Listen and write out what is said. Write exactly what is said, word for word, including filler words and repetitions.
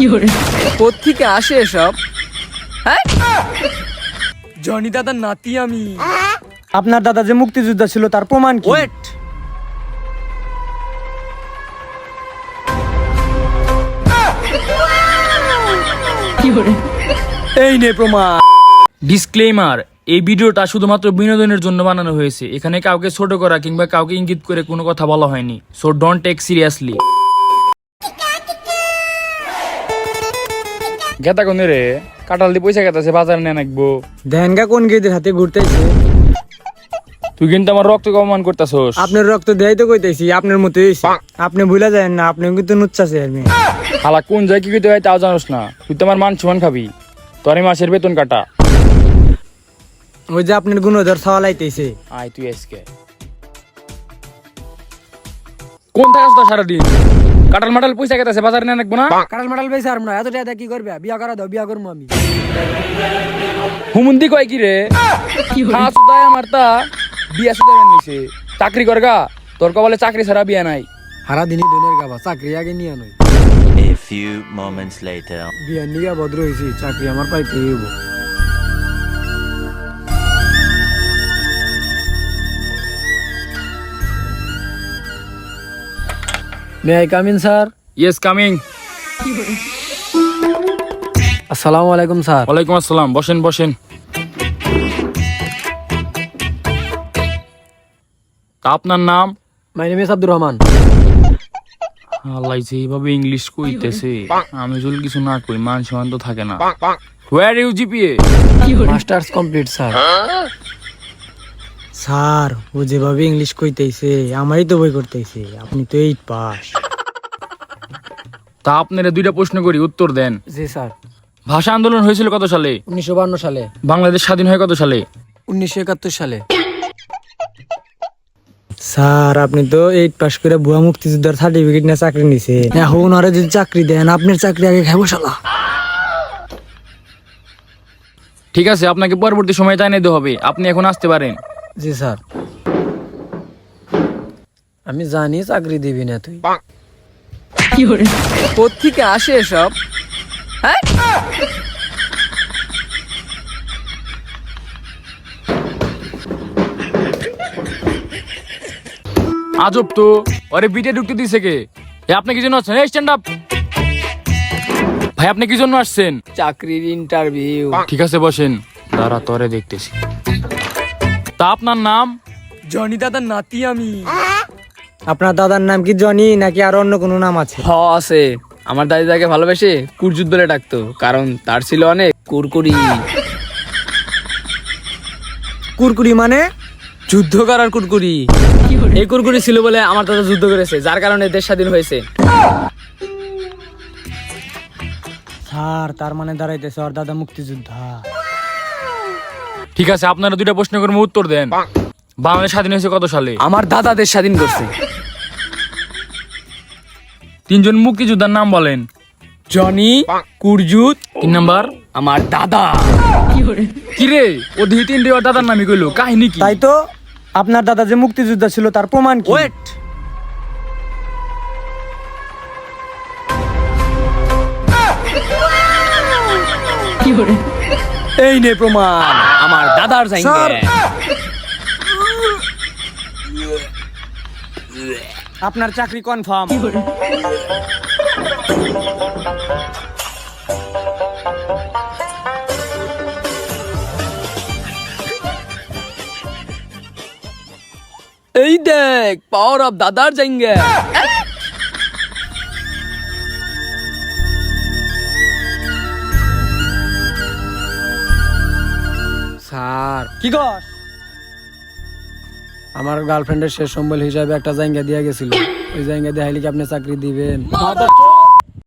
কোত্থেকে আসে এসব? হ্যাঁ, জনি দাদার নাতি আমি। আপনার দাদা যে মুক্তিযোদ্ধা ছিল তার প্রমাণ কি? ওয়েট, এই নে প্রমাণ। ডিসক্লেইমার, এই ভিডিওটা শুধুমাত্র বিনোদনের জন্য বানানো হয়েছে। এখানে কাউকে ছোট করা কিংবা কাউকে ইঙ্গিত করে কোনো কথা বলা হয়নি, সো ডোন্ট টেক সিরিয়াসলি। গেতা কোন রে? কাটাল দিয়ে পয়সা গেতাছে, বাজারে নিয়ে নাকবো। দেনগা কোন গেদের হাতে ঘুরতেছে? তুই কিন্তু আমার রক্ত অপমান করতেছস। আপনার রক্ত দেয় তো কইতেছি, আপনার মতো হইছে। আপনি ভুলা যায় না, আপনি কিন্তু নুচ্ছাছে আর মেয়ে। হালা কোন যায় কি কইতে হয় তাও জানোস না। তুই তো আমার মান সমান খাবি, তোর এই মাসের বেতন কাটা। ওই যে আপনার গুণধর সওয়ালাইতেছে। আয় তুই আজকে কোন থাকাস তো সারাদিন? কাটাল মাটাল পয়সা গেতাছে, বাজারে নিয়ে নাকবো না। কাটাল মাটাল পয়সা আর না, এত টাকা কি করবে? বিয়া করা দাও, বিয়া করবো আমি। হুমন্দি কয় কি রে? হ্যাঁ সুদায় আমার তা বিয়া সুদায় নিছে। চাকরি করগা, তোর কবলে চাকরি ছাড়া বিয়া নাই। সারা দিনই দুনের গাবা, চাকরি আগে নিয়ে নই। A few moments later. বিয়া নিয়ে ভদ্র হয়েছি, চাকরি আমার পাইতে হইব। May I come in sir? Yes coming. আসসালামু আলাইকুম স্যার। ওয়ালাইকুম আসসালাম, বসেন বসেন। তা আপনার নাম? My name is Abdur Rahman. আল্লাহ যেভাবে ইংলিশ কইতেছে, আমি যদি কিছু না কই মান সম্মান তো থাকে না। Where you GPA? Masters complete sir. Sir ও যেভাবে ইংলিশ কইতেছে আমারই তো বই করতেছে, আপনি তো এইট পাস। তা আপনারা দুইটা প্রশ্ন করি, উত্তর দেন। জি স্যার। ভাষা আন্দোলন হয়েছিল কত সালে? উনিশশো বান্ন সালে। বাংলাদেশ স্বাধীন হয় কত সালে? উনিশশো একাত্তর সালে। স্যার আপনি তো এইট পাস করে ভুয়া মুক্তিযোদ্ধার সার্টিফিকেট নিয়ে চাকরি নিছে, এখন ওরা যদি চাকরি দেন আপনার চাকরি আগে খাবো শালা। ঠিক আছে, আপনাকে পরবর্তী সময় জানিয়ে দিতে হবে, আপনি এখন আসতে পারেন। জি স্যার। আমি জানি চাকরি দিবি না তুই। কোত্থেকে আসে এসব? হ্যাঁ, আজব তো, আরে বিটে ঢুকতে দিছে কে? এ আপনি কি জন্য আসছেন? এই স্ট্যান্ড আপ ভাই, আপনি কি জন্য আসছেন? চাকরির ইন্টারভিউ। ঠিক আছে বসেন, দাঁড়া তরে দেখতেছি। তা আপনার নাম? জনি দাদার নাতি আমি। আপনার দাদার নাম কি জনি নাকি আর অন্য কোনো নাম আছে? হ আছে, আমার দাদি তাকে ভালোবেসে কুরজুত বলে ডাকতো, কারণ তার ছিল অনেক কুরকুরি। কুরকুরি মানে? যুদ্ধ করার কুরকুরি। এই কুরকুরি ছিল বলে আমার দাদা যুদ্ধ করেছে, যার কারণে দেশ স্বাধীন হয়েছে। স্যার তার মানে দাঁড়াইতেছে ওর দাদা মুক্তিযোদ্ধা। ঠিক আছে, আপনারা দুইটা প্রশ্ন করবো, উত্তর দেন। বাংলাদেশ স্বাধীন হয়েছে কত সালে? আমার দাদা দেশ স্বাধীন করছে। তিনজন মুক্তিযোদ্ধার নাম বলেন। জনি, কুরজুত, তিন নাম্বার আমার দাদা। কি রে, ও দুই তিন রে ওর দাদার নামই কইলো, কাহিনী কি? তাই তো, আপনার দাদা যে মুক্তিযোদ্ধা ছিল তার প্রমাণ কি? ওয়েট, এই নে প্রমাণ, আমার দাদার স্যার। জাইঙ্গে। আপনার চাকরি কনফার্ম। এই দেখ, পাওয়ার অফ দাদার জাইঙ্গে। স্যার কি কস? আমার গার্লফ্রেন্ডের শেষ সম্বল হিসাবে একটা জায়গা দিয়া গেছিল, ওই জায়গা দিয়ে হাইলে কি আপনি চাকরি দিবেন?